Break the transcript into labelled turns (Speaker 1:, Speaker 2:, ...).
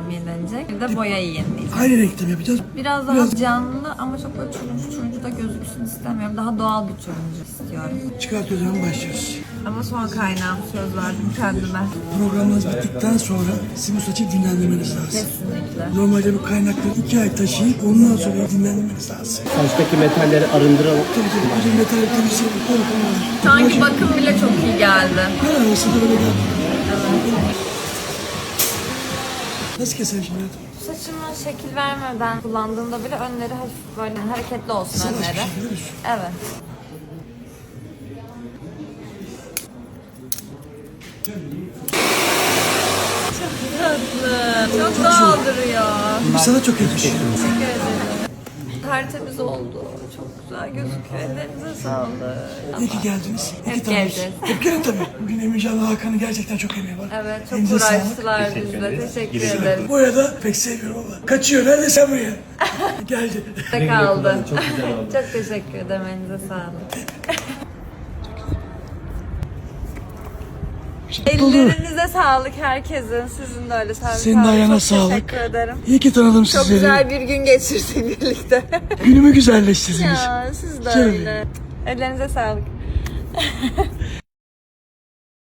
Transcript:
Speaker 1: yenilenecek. Bir de boyayı yenileyeceğim.
Speaker 2: Aynı renkte mi yapacağız?
Speaker 1: Biraz daha canlı ama çok böyle turuncu da gözüksün istemiyorum. Daha doğal bir turuncu istiyorum.
Speaker 2: Çıkart o zaman başlıyoruz.
Speaker 1: Ama son kaynağım söz verdim kendime.
Speaker 2: Programımız bittikten sonra sizin bu saçı dinlendirmeniz lazım.
Speaker 1: Kesinlikle.
Speaker 2: Normalde bu kaynakları 2 ay taşıyıp ondan sonra dinlendirmeniz lazım.
Speaker 3: Saçtaki metalleri arındıralım.
Speaker 2: Tabii bütün metal temizliği konular.
Speaker 1: Sanki bakım bile çok iyi geldi.
Speaker 2: Ha, aslında öyle geldi. Nasıl keselim şimdi?
Speaker 1: Saçıma şekil vermeden kullandığımda bile önleri hafif böyle hareketli olsun
Speaker 2: Sen
Speaker 1: önleri.
Speaker 2: başka şey biliyorsun.
Speaker 1: Evet. Çok tatlı. Çok doğal duruyor.
Speaker 2: Bu sana çok yakışıyor.
Speaker 1: Teşekkür ederim. Tertemiz oldu. Çok güzel gözüküyor. Ellerinize sağlık.
Speaker 2: İyi ki geldiniz. İyi ki
Speaker 1: Hep
Speaker 2: tanıştık.
Speaker 1: geleceğiz.
Speaker 2: Hep gelin tabii. Bugün Emircan'la Hakan'ın gerçekten çok emeği var.
Speaker 1: Evet, çok
Speaker 2: Elinize sağlık.
Speaker 1: uğraştılar bizle. Teşekkür ederim.
Speaker 2: Bu arada pek sevmiyorum ama. Kaçıyor. Nerede sen buraya? Geldi.
Speaker 1: De kaldı.
Speaker 3: Çok güzel oldu.
Speaker 1: Çok teşekkür ederim. Elinize sağlık. Ellerinize sağlık herkesin. Sizin de öyle sağlık.
Speaker 2: Senin de ayağına
Speaker 1: Çok
Speaker 2: sağlık.
Speaker 1: teşekkür ederim.
Speaker 2: İyi ki tanıdım
Speaker 1: Çok
Speaker 2: sizleri.
Speaker 1: güzel bir gün geçirdik birlikte.
Speaker 2: Günümü güzelleştirdiniz.
Speaker 1: Ya siz de
Speaker 2: Şöyle.
Speaker 1: öyle. Ellerinize sağlık.